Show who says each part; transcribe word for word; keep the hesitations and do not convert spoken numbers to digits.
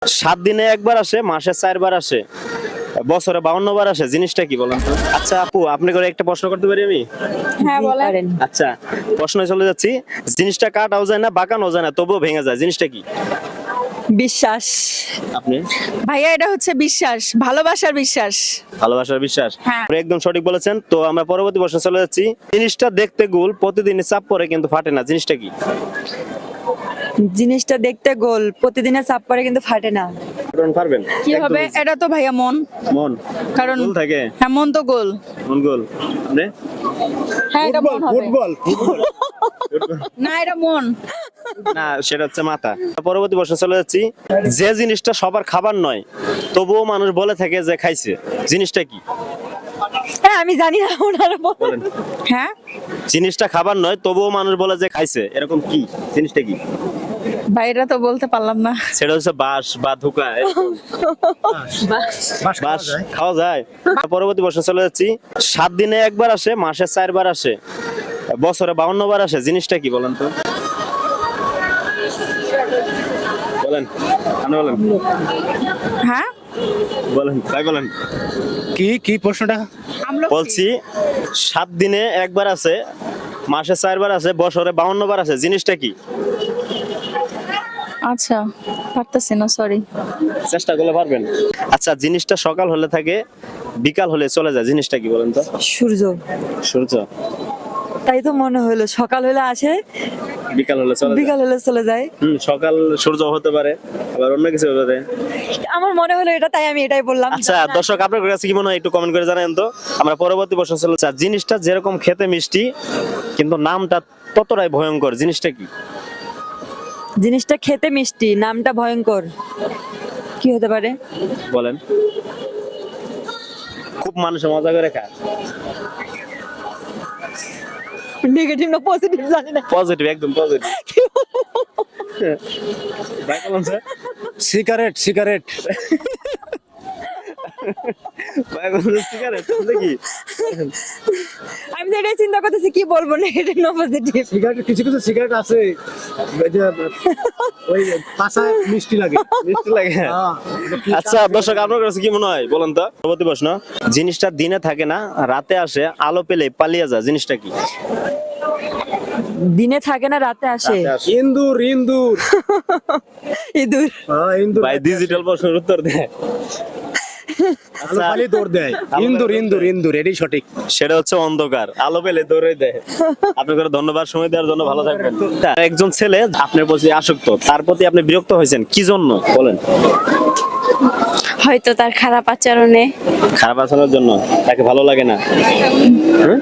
Speaker 1: সাত দিনে একবার আসে, মাসে চারবার আসে, বছরে বাউন্ন বার আসে, জিনিসটা কি বলেন তো? আচ্ছা আপু, আপনি করে একটা প্রশ্ন করতে পারি আমি?
Speaker 2: হ্যাঁ বলেন।
Speaker 1: আচ্ছা, প্রশ্নে চলে যাচ্ছি। জিনিসটা কাটাও যায় না, বাঁকানো যায় না, তবুও ভেঙে যায়, জিনিসটা কি?
Speaker 2: বিশ্বাস।
Speaker 1: আপনি?
Speaker 2: ভাইয়া এটা হচ্ছে বিশ্বাস, ভালোবাসার বিশ্বাস।
Speaker 1: ভালোবাসার বিশ্বাস।
Speaker 2: হ্যাঁ।
Speaker 1: আপনি একদম সঠিক বলেছেন। তো আমরা পরবর্তী প্রশ্নে চলে যাচ্ছি। জিনিসটা দেখতে গোল, প্রতিদিনই চাপ পড়ে কিন্তু ফাটে না, জিনিসটা কি?
Speaker 3: জিনিসটা দেখতে গোল, প্রতিদিনের চাপ পড়ে কিন্তু ফাটে না।
Speaker 1: কারণ পারবেন?
Speaker 2: কি হবে? এটা তো ভাইয়া মন।
Speaker 1: মন।
Speaker 2: কারণ
Speaker 1: গোল থাকে,
Speaker 2: হ্যাঁ মন তো গোল।
Speaker 1: মন গোল। আপনি?
Speaker 2: হ্যাঁ এটা মন হবে।
Speaker 4: ফুটবল
Speaker 2: না এটা মন।
Speaker 1: না, সেটা হচ্ছে মাথা। পরবর্তী প্রশ্নে চলে যাচ্ছি। যে জিনিসটা সবার খাবার নয়, তবুও মানুষ বলে থাকে যে খাইছে, জিনিসটা কি?
Speaker 3: হ্যাঁ আমি জানি না, ওনারা বলেন।
Speaker 1: বলেন।
Speaker 2: হ্যাঁ
Speaker 1: জিনিসটা খাবার নয়, তবুও মানুষ বলে যে খাইছে, এরকম কি জিনিসটা কি?
Speaker 2: ভাই এটা তো বলতে পারলাম না।
Speaker 1: সেটা হচ্ছে বাঁশ বা ধোকা। এরকম। বাঁশ খাওয়া যায়। পরবর্তী প্রশ্নে চলে যাচ্ছি। সাত দিনে একবার আসে, মাসে চারবার আসে, বছরে বাউন্ন বার আসে, জিনিসটা কি বলেন তো? বলেন, আপনি বলেন,
Speaker 2: হ্যাঁ
Speaker 1: বলেন, তাই বলেন।
Speaker 4: কি কি প্রশ্নটা?
Speaker 2: আমলকি।
Speaker 1: বলছি সাত দিনে একবার আছে, মাসে চারবার আছে, বছরে বাউন্ন বার আছে, জিনিসটা কি?
Speaker 2: আচ্ছা পারতেছি না, সরি।
Speaker 1: চেষ্টা করলে পারবেন। আচ্ছা, জিনিসটা সকাল হলে থাকে, বিকাল হলে চলে যায়, জিনিসটা কি বলেন তো?
Speaker 3: সূর্য।
Speaker 1: সূর্য।
Speaker 3: তাই তো মনে হলো, সকাল হলে আসে,
Speaker 1: বিকাল হলে চলে যায়।
Speaker 3: বিকাল হলে চলে যায়।
Speaker 1: হুম, সকাল সূর্য হতে পারে, আবার অন্য কিছু হতে পারে।
Speaker 3: আমার মনে হলো এটা, তাই আমি এটাই বললাম।
Speaker 1: আচ্ছা দর্শক, আপনার কাছে কি মনে হয় একটু কমেন্ট করে জানান তো। আমরা পরবর্তী প্রশ্ন চলে যাচ্ছি। জিনিসটা যেরকম খেতে মিষ্টি, কিন্তু নামটা ততটাই ভয়ঙ্কর, জিনিসটা কি?
Speaker 3: জিনিসটা খেতে মিষ্টি, নামটা ভয়ঙ্কর, কি হতে পারে?
Speaker 1: বলেন। খুব মানুষে মজা করে খায়।
Speaker 3: নেগেটিভ না পজিটিভ জানি না।
Speaker 1: পজিটিভ, একদম পজিটিভ। ভাই বলুন স্যার।
Speaker 4: সিগারেট সিগারেট
Speaker 1: ভাই বলুন সিগারেট দেখি।
Speaker 3: আমি তো এটাই চিন্তা করতেছি কি বলবো, নেগেটিভ না পজিটিভ।
Speaker 4: সিগারেট, কিছু কিছু সিগারেট আছে ওই যে ওই পাশা মিষ্টি লাগে।
Speaker 1: মিষ্টি লাগে।
Speaker 4: হ্যাঁ, এটা কি-
Speaker 1: আচ্ছা দর্শক, আপনার কাছে কি মনে হয় বলেন তো। পরবর্তী প্রশ্ন। জিনিসটা দিনে থাকে না, রাতে আসে, আলো পেলে পালিয়ে যায়, জিনিসটা কি?
Speaker 3: দিনে থাকে না, রাতে আসে।
Speaker 1: রাতে আসে।
Speaker 4: ইন্দুর ইন্দুর
Speaker 3: ইঁদুর।
Speaker 4: হ্যাঁ, ইন্দুর
Speaker 1: ভাই ডিজিটাল প্রশ্নের উত্তর দেয়।
Speaker 4: আলো পালি দৌড় দেয়। ইন্দুর ইন্দুর ইন্দুর এটাই সঠিক।
Speaker 1: সেটা হচ্ছে অন্ধকার, আলো পেলে দৌড়ে দেয়। আপনাকে ধন্যবাদ সময় দেওয়ার জন্য, ভালো থাকবেন। একজন ছেলে আপনার প্রতি আসক্ত, তার প্রতি আপনি বিরক্ত হয়েছেন, কি জন্য বলেন?
Speaker 5: হয়তো তার খারাপ আচরণে।
Speaker 1: খারাপ আচরণের জন্য, তাকে ভালো লাগে না।